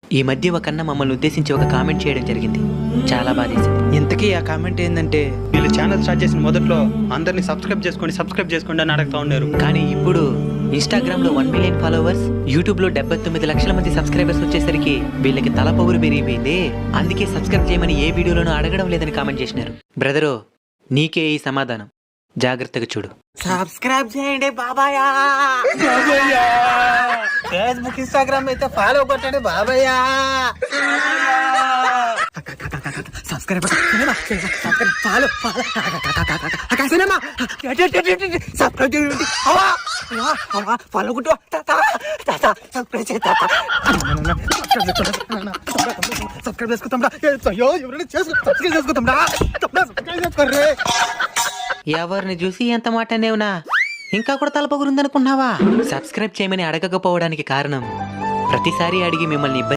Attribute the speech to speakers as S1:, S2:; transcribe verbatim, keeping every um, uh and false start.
S1: ఈ మధ్య ఒక అన్న మమ్మల్ని ఉద్దేశించి ఒక కామెంట్ చేయడం జరిగింది. చాలా బాధేసింది.
S2: ఇంతకీ ఆ కామెంట్ ఏంటంటే, వీళ్ళు ఛానల్ స్టార్ట్ చేసిన మొదట్లో అందరినీ సబ్స్క్రైబ్ చేసుకోండి సబ్స్క్రైబ్ చేసుకోండి అని అడుగుతా ఉన్నారు.
S1: కానీ ఇప్పుడు ఇన్స్టాగ్రామ్ లో వన్ మిలియన్ ఫాలోవర్స్, యూట్యూబ్ లో డెబ్బై తొమ్మిది లక్షల మంది సబ్స్క్రైబర్స్ వచ్చేసరికి వీళ్ళకి తల పొగురు పెరిగిపోయింది. అందుకే సబ్స్క్రైబ్ చేయమని ఏ వీడియోలోనూ అడగడం లేదని కామెంట్ చేసినారు. బ్రదరు, నీకే ఈ సమాధానం, జాగ్రత్తగా చూడు.
S2: సబ్స్క్రైబ్ చేయండి బాబాయ్. ఫేస్బుక్ ఇన్స్టాగ్రామ్ అయితే ఫాలో కొట్టండి బాబాయ్. సబ్స్క్రైబ్ ఫాలో ఫాలో కొట్టు సబ్స్క్రైబ్ చేసుకుంటాం. ఎవరైనా సబ్స్క్రైబ్ చేసుకుంటాం.
S1: ఎవరిని చూసి ఎంత మాట అనేవునా? ఇంకా కూడా తల పొగురుందనుకున్నావా? సబ్స్క్రైబ్ చేయమని అడగకపోవడానికి కారణం, ప్రతిసారి అడిగి మిమ్మల్ని ఇబ్బంది